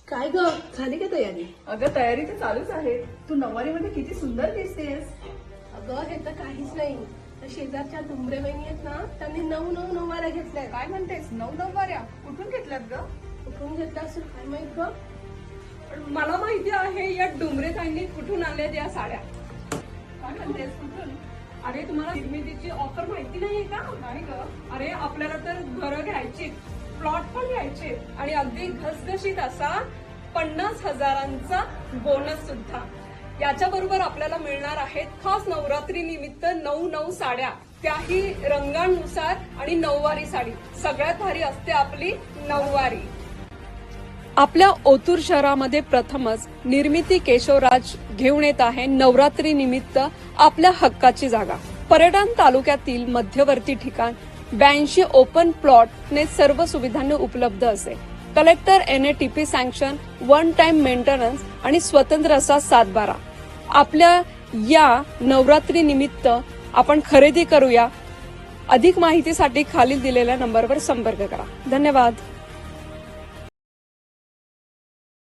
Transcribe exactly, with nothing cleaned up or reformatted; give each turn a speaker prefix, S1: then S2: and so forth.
S1: काय ग, झाली का तयारी?
S2: अगं तयारी तर चालूच आहे. तू नऊवारीमध्ये किती सुंदर दिसतेस.
S1: अगं हे तर काहीच नाही. त्या शेजारच्या डुंबरे बहिणी आहेत ना, त्यांनी नऊ नऊ नऊवाऱ्या घेतल्या.
S2: काय म्हणतेस, नऊ नऊवाऱ्या कुठून घेतल्यात ग?
S1: कुठून घेतल्या असेल काय माहित ग.
S2: पण मला माहिती आहे या डुंबरे ताईंनी कुठून आणल्या त्या साड्या. काय म्हणतेस, कुठून? अरे तुम्हाला निर्मितीची ऑफर माहिती नाहीये का? नाही ग. अरे आपल्याला तर घरं घ्यायची, प्लॉट पण घ्यायचे आणि अगदी घसघशीत असा पन्नास हजारांचा बोनस सुद्धा. याच्या बरोबर आपल्याला मिळणार आहेत खास नवरात्री निमित्त नऊ नऊ साड्या, त्याही रंगांनुसार आणि नऊवारी साडी. सगळ्यात भारी असते आपली नऊवारी. आपल्या ओतूर शहरामध्ये प्रथमच निर्मिती केशवराज घेऊन येत आहे नवरात्री निमित्त आपल्या हक्काची जागा. पर्यटन तालुक्यातील मध्यवर्ती ठिकाण ब्याऐंशी ओपन प्लॉटने सर्व सुविधांनी उपलब्ध असे. Collector N A T P sanction, one time maintenance आणि स्वतंत्र असा सातबारा. आपल्या या नवरात्री निमित्त आपण खरेदी करूया. अधिक माहितीसाठी खालील दिलेल्या नंबरवर संपर्क करा. धन्यवाद.